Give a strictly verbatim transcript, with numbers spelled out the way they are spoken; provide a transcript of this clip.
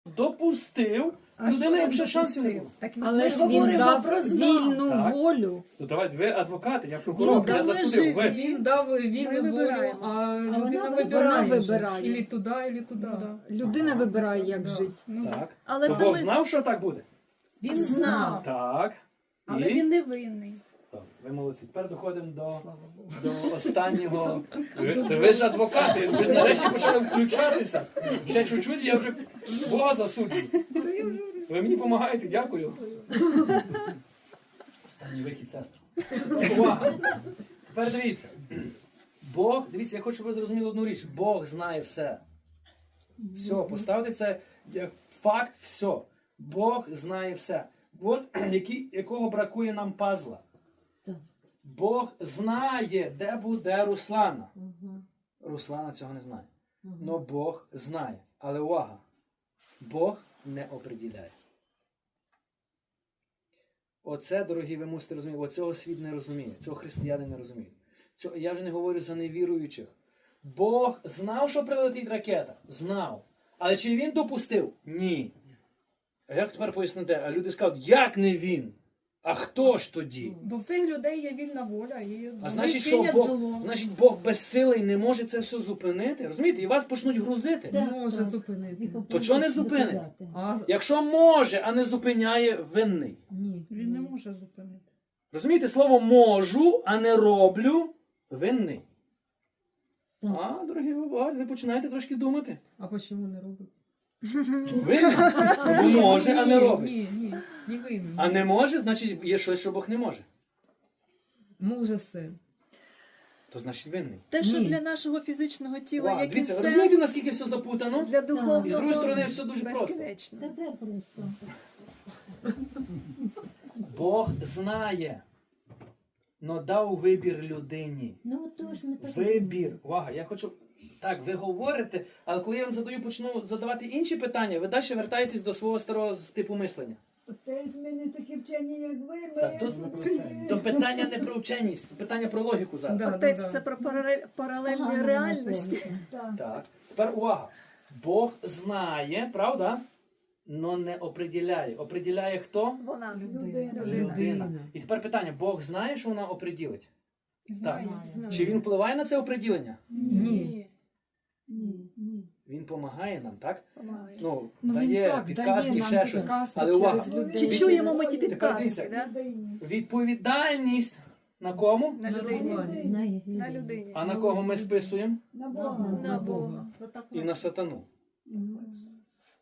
допустив, людина їм ще шансів не було. Але ж він дав вільну Так. волю. Ну давайте, ви адвокати, я прокурор, Ну, я да, засудив. Ви. Він дав Ми вільну волю, вибираємо. а людина вона вибирає. вона вже. вибирає. Ілі туди, ілі туди. Людина Ага. вибирає, як Да. жити. Ну, Так. Але То це Бог ми... знав, що так буде? Він знав, Так. але І? він не винний. Так, ви молодці. Тепер доходимо до, до останнього. Ви, то ви ж адвокати, ви ж нарешті почали включатися. Ще чуть-чуть, я вже Бога засуджую. Ви мені допомагаєте, дякую. Останній вихід, сестру. Увага! Тепер дивіться. Бог, дивіться, я хочу, щоб ви зрозуміли одну річ. Бог знає все. Все, поставте це як факт, все. Бог знає все. От які, якого бракує нам пазла. Бог знає, де буде Руслана. Руслана цього не знає. Но Бог знає. Але увага, Бог не оприділяє. Оце, дорогі, ви мусите розуміти, оцього світ не розуміє, цього християни не розуміють. Цього, я вже не говорю за невіруючих. Бог знав, що прилетить ракета? Знав. Але чи він допустив? Ні. А як тепер пояснити? А люди скажуть, як не він? А хто ж тоді? Бо в цих людей є вільна воля. І А вони значить, що чинять Бог, зло. значить, Бог безсилий не може це все зупинити? Розумієте? І вас почнуть грузити. Не може зупинити. То чого не зупинить? А, Якщо може, а не зупиняє, винний. ні. Він не може зупинити. Розумієте, слово можу, а не роблю, винний. А, дорогі ви, ви починаєте трошки думати. А чому не робить? Винний. Бо може, а не робить. Ні, ні, не винен. А не може, значить є щось, що Бог не може. Може все. То значить винний. Те, що Ні. для нашого фізичного тіла, Вау, як і дивіться, ви все, розумієте, наскільки все запутано? для духовного І з другої сторони все дуже просто. безкінечно. Бог знає, но дав вибір людині. Ну, то ж ми так. Вибір. Увага, я хочу... Так, ви говорите, але коли я вам задаю, почну задавати інші питання, ви далі вертаєтесь до свого старого типу мислення. Отець, ми не такі вчені, як ви. Ми Так, тут, то питання не про вченість, то питання про логіку зараз. Да, Отець, да, да. це про паралель- паралельні Ага, реальності. Так. Так. Тепер увага. Бог знає, правда? Но не оприділяє. Оприділяє хто? Вона. Людина. Людина. І тепер питання. Бог знає, що вона оприділить? Знаю. Так. Чи він впливає на це оприділення? Ні. Ні, ні. Він допомагає нам, так? Помагає. Ну, Ну, він дає так, підказки, дає нам ще щось. підказки Але увага. через людей. Чи чуємо ми ті Тепер підказки? дивіться. Да? Людині. Відповідальність на кому? На На людині. Руслані. На людині. А на кого ми списуємо? На Бога. На Бога. І на сатану. Мгм.